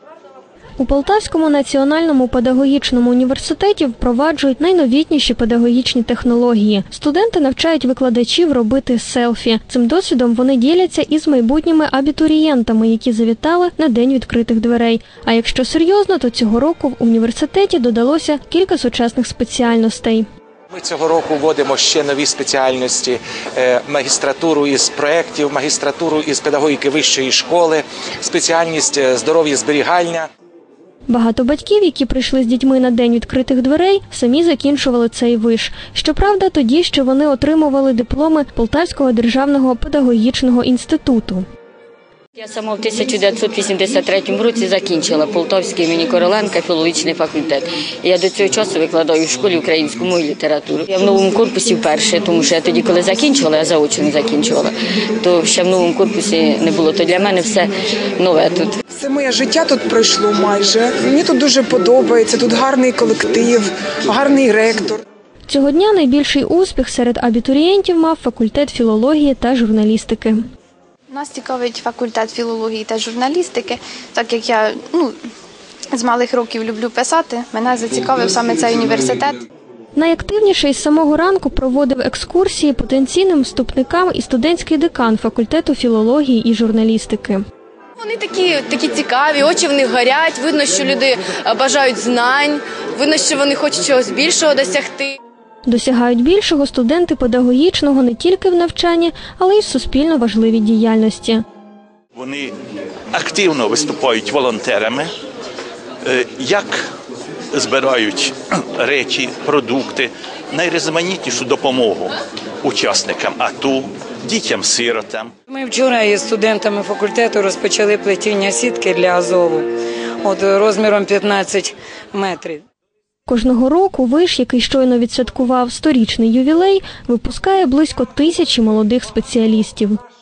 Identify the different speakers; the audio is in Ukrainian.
Speaker 1: У Полтавському національному педагогічному університеті впроваджують найновітніші педагогічні технології. Студенти навчають викладачів робити селфі. Цим досвідом вони діляться із майбутніми абітурієнтами, які завітали на День відкритих дверей. А якщо серйозно, то цього року в університеті додалося кілька сучасних спеціальностей.
Speaker 2: Ми цього року вводимо ще нові спеціальності – магістратуру із проєктів, магістратуру із педагогіки вищої школи, спеціальність здоров'я-зберігання.
Speaker 1: Багато батьків, які прийшли з дітьми на День відкритих дверей, самі закінчували цей виш. Щоправда, тоді ще вони отримували дипломи Полтавського державного педагогічного інституту.
Speaker 3: Я сама в 1983 році закінчила Полтавський імені Короленка філологічний факультет. Я до цього часу викладаю в школі українську мову і літературу. Я в новому корпусі вперше, тому що я тоді, коли закінчувала, я заочно закінчувала, то ще в новому корпусі не було. То для мене все нове тут.
Speaker 4: Все моє життя тут пройшло майже. Мені тут дуже подобається, тут гарний колектив, гарний ректор.
Speaker 1: Цього дня найбільший успіх серед абітурієнтів мав факультет філології та журналістики.
Speaker 5: Нас цікавить факультет філології та журналістики, так як я з малих років люблю писати, мене зацікавив саме цей університет.
Speaker 1: Найактивніше із самого ранку проводив екскурсії потенційним вступникам і студентський декан факультету філології і журналістики.
Speaker 6: Вони такі цікаві, очі в них горять, видно, що люди бажають знань, видно, що вони хочуть чогось більшого досягти.
Speaker 1: Досягають більшого студенти педагогічного не тільки в навчанні, але й в суспільно важливій діяльності.
Speaker 7: Вони активно виступають волонтерами, як збирають речі, продукти, найрізноманітнішу допомогу учасникам АТО, дітям-сиротам.
Speaker 8: Ми вчора із студентами факультету розпочали плетіння сітки для Азову розміром 15 метрів.
Speaker 1: Кожного року виш, який щойно відсвяткував 100-річний ювілей, випускає близько 1000 молодих спеціалістів.